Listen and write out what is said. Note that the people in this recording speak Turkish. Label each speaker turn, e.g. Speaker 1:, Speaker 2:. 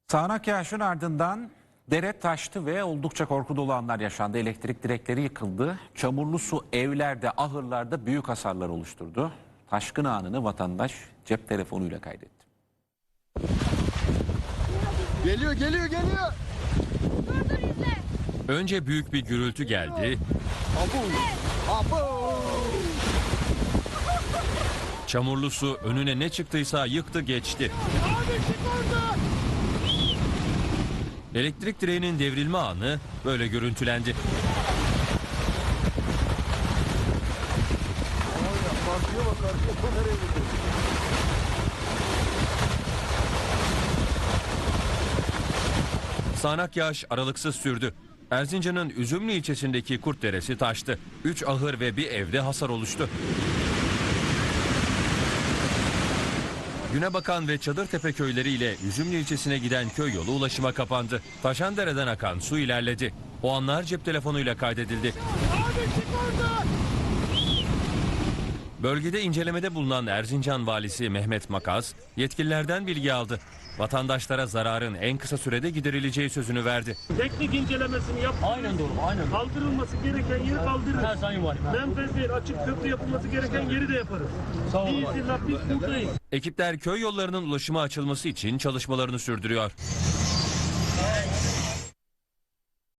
Speaker 1: Sağanak yağışın ardından dere taştı ve oldukça korku dolu anlar yaşandı. Elektrik direkleri yıkıldı. Çamurlu su evlerde, ahırlarda büyük hasarlar oluşturdu. Taşkın anını vatandaş cep telefonuyla kaydetti.
Speaker 2: Geliyor.
Speaker 3: Dur izle.
Speaker 4: Önce büyük bir gürültü geldi.
Speaker 2: Abo.
Speaker 4: Çamurlu su önüne ne çıktıysa yıktı geçti. Elektrik direğinin devrilme anı böyle görüntülendi.
Speaker 2: Karşıya bak. Nereye gidiyor?
Speaker 4: Sağanak yağış aralıksız sürdü. Erzincan'ın Üzümlü ilçesindeki Kurtderesi taştı. 3 ahır ve bir evde hasar oluştu. Günebakan ve Çadırtepe köyleriyle Üzümlü ilçesine giden köy yolu ulaşıma kapandı. Taşandere'den akan su ilerledi. O anlar cep telefonuyla kaydedildi. Bölgede incelemede bulunan Erzincan valisi Mehmet Makaz yetkililerden bilgi aldı. Vatandaşlara zararın en kısa sürede giderileceği sözünü verdi.
Speaker 5: Teknik incelemesini yap.
Speaker 6: Aynen doğru, aynen.
Speaker 5: Kaldırılması gereken yeri kaldırırız.
Speaker 6: Her sayın var.
Speaker 5: Menfez değil, açık köprü yapılması gereken yeri de yaparız.
Speaker 6: Sağ olun.
Speaker 5: Biz buradayız.
Speaker 4: Ekipler köy yollarının ulaşıma açılması için çalışmalarını sürdürüyor.